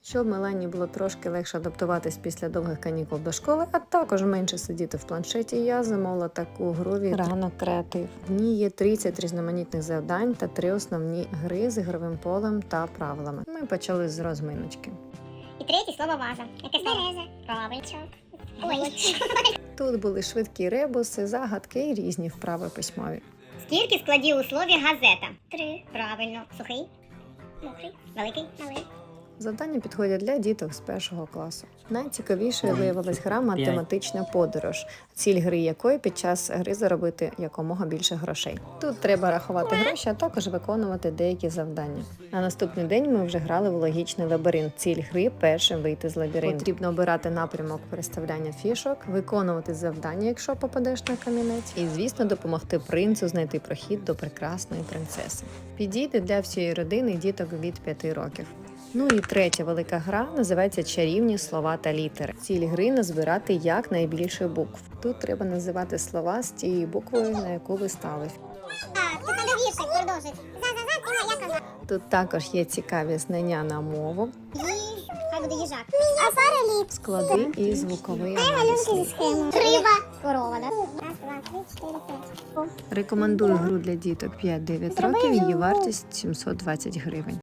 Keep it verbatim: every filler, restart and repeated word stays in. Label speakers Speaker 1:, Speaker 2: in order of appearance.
Speaker 1: Щоб Мелані було трошки легше адаптуватись після довгих канікул до школи, а також менше сидіти в планшеті, я замовила таку гру від «Ранок Креатив». В ній є тридцять різноманітних завдань та три основні гри з ігровим полем та правилами. Ми почали з розминочки.
Speaker 2: І третє слово ваза. Яке слово? Береза. Правильно. Ой.
Speaker 1: Тут були швидкі ребуси, загадки і різні вправи письмові.
Speaker 2: Скільки складів у слові газета? Три. Правильно. Сухий? Мокрий? Великий? Малий?
Speaker 1: Завдання підходять для діток з першого класу. Найцікавішою виявилась гра «Математична подорож», ціль гри якої під час гри заробити якомога більше грошей. Тут треба рахувати гроші, а також виконувати деякі завдання. На наступний день ми вже грали в логічний лабіринт. Ціль гри – першим вийти з лабіринту. Потрібно обирати напрямок переставляння фішок, виконувати завдання, якщо попадеш на камінець, і, звісно, допомогти принцу знайти прохід до прекрасної принцеси. Підійде для всієї родини діток від п'яти років. Ну і третя велика гра називається «Чарівні слова та літери». Ціль гри – назбирати якнайбільше букв. Тут треба називати слова з тією буквою, на яку ви стали.
Speaker 2: Так, тут треба віршик продовжити. За-за-за, ти моя коза.
Speaker 1: Тут також є цікаві знання на мову,
Speaker 2: Їж, хай буде їжак. А Сара ліп.
Speaker 1: склади і звуковий аналіз.
Speaker 2: Схему. Риба. Корова, да? Раз, два, три, чотири, п'ять.
Speaker 1: Рекомендую гру для діток п'ять-дев'ять років, її вартість сімсот двадцять гривень.